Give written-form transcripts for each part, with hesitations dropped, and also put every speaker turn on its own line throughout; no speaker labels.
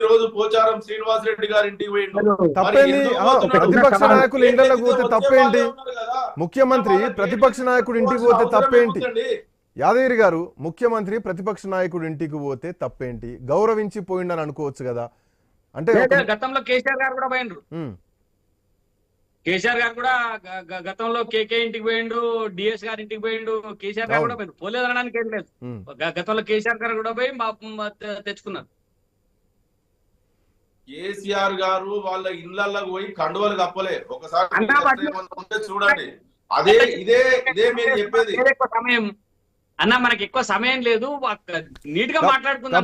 రోజు పోచారం శ్రీనివాస్ రెడ్డి గారి ఇంటికి పోయిండు.
తప్పేంది? ప్రతిపక్ష నాయకులు ఇండ్లకు పోతే తప్పేంటి? ముఖ్యమంత్రి ప్రతిపక్ష నాయకుడు ఇంటికి పోతే తప్పేంటి? యాదగిరి గారు, ముఖ్యమంత్రి ప్రతిపక్ష నాయకుడు ఇంటికి పోతే తప్పేంటి? గౌరవించి పోయిండని అనుకోవచ్చు కదా. అంటే
గతంలో కేసీఆర్ గారు కూడా పోయిండ్రు. కేసీఆర్ గారు కూడా గతంలో కేకే ఇంటికి పోయిండు, డిఎస్ గారి ఇంటికి పోయిండు. కేసీఆర్ గారు కూడా పోయిండు, పోలేదు అనడానికి ఏం లేదు. గతంలో కేసీఆర్ గారు కూడా పోయి తెచ్చుకున్నారు.
కేసీఆర్ గారు వాళ్ళ ఇళ్లకు పోయి కండువలు కప్పలే. ఒకసారి చూడండి. అదే ఇదే ఇదే మీరు చెప్పేది.
సమయం అన్న, మనకి ఎక్కువ సమయం లేదు, నీట్ గా మాట్లాడుకుందాం.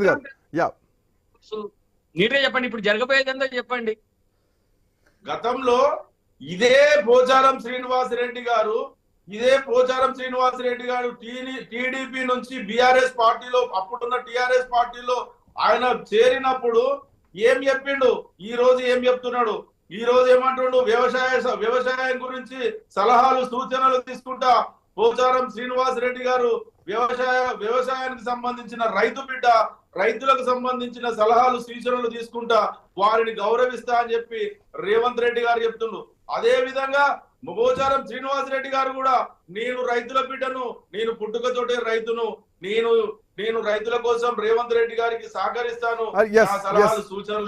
నీట్ గా చెప్పండి, ఇప్పుడు జరగబోయేది ఎంతో చెప్పండి.
గతంలో ఇదే పోచారం శ్రీనివాసరెడ్డి గారు టీడీపీ నుంచి బీఆర్ఎస్ పార్టీలో, అప్పుడున్న టీఆర్ఎస్ పార్టీలో ఆయన చేరినప్పుడు ఏం చెప్పిండు, ఈ రోజు ఏం చెప్తున్నాడు? ఈ రోజు ఏమంటుండు? వ్యవసాయం గురించి సలహాలు సూచనలు తీసుకుంటా పోచారం శ్రీనివాస్ రెడ్డి గారు వ్యవసాయానికి సంబంధించిన రైతు బిడ్డ, రైతులకు సంబంధించిన సలహాలు సూచనలు తీసుకుంటా వారిని గౌరవిస్తా అని చెప్పి రేవంత్ రెడ్డి గారు చెప్తుండ్రు. అదే విధంగా పోచారం శ్రీనివాస్ రెడ్డి గారు కూడా నేను రైతుల బిడ్డను, నేను పుట్టుకతోటే రైతును, నేను రైతుల కోసం రేవంత్ రెడ్డి గారికి సహకరిస్తాను, సలహాలు సూచనలు.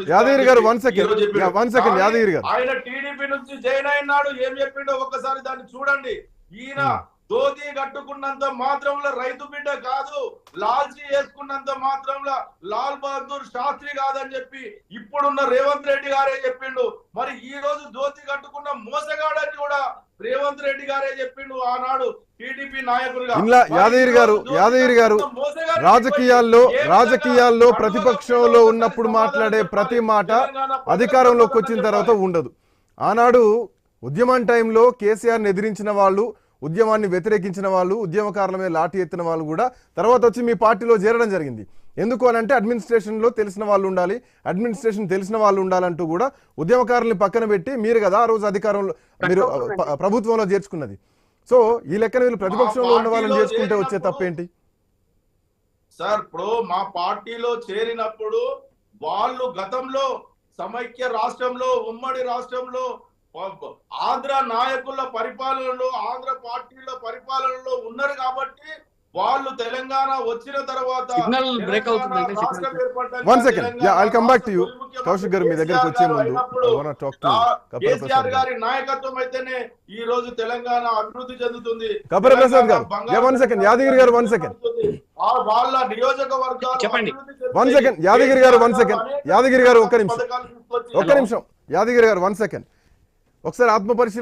ఆయన టీడీపీ నుంచి జైన్ అయినాడు. ఏం చెప్పిండో ఒక్కసారి దాన్ని చూడండి. ఈయన ధోతి కట్టుకున్నంత మాత్రంలో రైతు బిడ్డ కాదు, లాల్జీ వేసుకున్నంత మాత్రంలో లాల్ బహదూర్ శాస్త్రి కాదని చెప్పి ఇప్పుడున్న రేవంత్ రెడ్డి గారే చెప్పిండు. మరి ఈ రోజు ధోతి కట్టుకున్న మోసగాడని కూడా రేవంత్ రెడ్డి గారే చెప్పిండు ఆనాడు టీడీపీ నాయకులుగా.
యాదగిరి గారు రాజకీయాల్లో ప్రతిపక్షంలో ఉన్నప్పుడు మాట్లాడే ప్రతి మాట అధికారంలోకి వచ్చిన తర్వాత ఉండదు. ఆనాడు ఉద్యమం టైంలో కేసీఆర్ని ఎదిరించిన వాళ్ళు, ఉద్యమాన్ని వ్యతిరేకించిన వాళ్ళు, ఉద్యమకారుల మీద లాఠీ ఎత్తిన వాళ్ళు కూడా తర్వాత వచ్చి మీ పార్టీలో చేరడం జరిగింది. ఎందుకు అని అంటే అడ్మినిస్ట్రేషన్లో తెలిసిన వాళ్ళు ఉండాలి, అడ్మినిస్ట్రేషన్ తెలిసిన వాళ్ళు ఉండాలంటూ కూడా ఉద్యమకారుల్ని పక్కన పెట్టి మీరు కదా ఆ రోజు అధికారంలో మీరు ప్రభుత్వంలో చేర్చుకున్నది. సో ఈ లెక్కన వీళ్ళు ప్రతిపక్షంలో ఉన్న వాళ్ళని చేసుకుంటే వచ్చే తప్పేంటి
సార్? ఇప్పుడు మా పార్టీలో చేరినప్పుడు వాళ్ళు గతంలో సమైక్య రాష్ట్రంలో, ఉమ్మడి రాష్ట్రంలో ఆంధ్ర నాయకుల పరిపాలనలో, ఆంధ్ర పార్టీల పరిపాలనలో ఉన్నారు కాబట్టి వాళ్ళు తెలంగాణ వచ్చిన తర్వాత కేసీఆర్ గారి నాయకత్వం అయితేనే ఈ రోజు తెలంగాణ అభివృద్ధి చెందుతుంది.
యాదగిరి గారు
వాళ్ళ నియోజకవర్గాలు
ఒక్క నిమిషం యాదగిరి గారు 1 సెకండ్ ఒకసారి ఆత్మపరిశీలన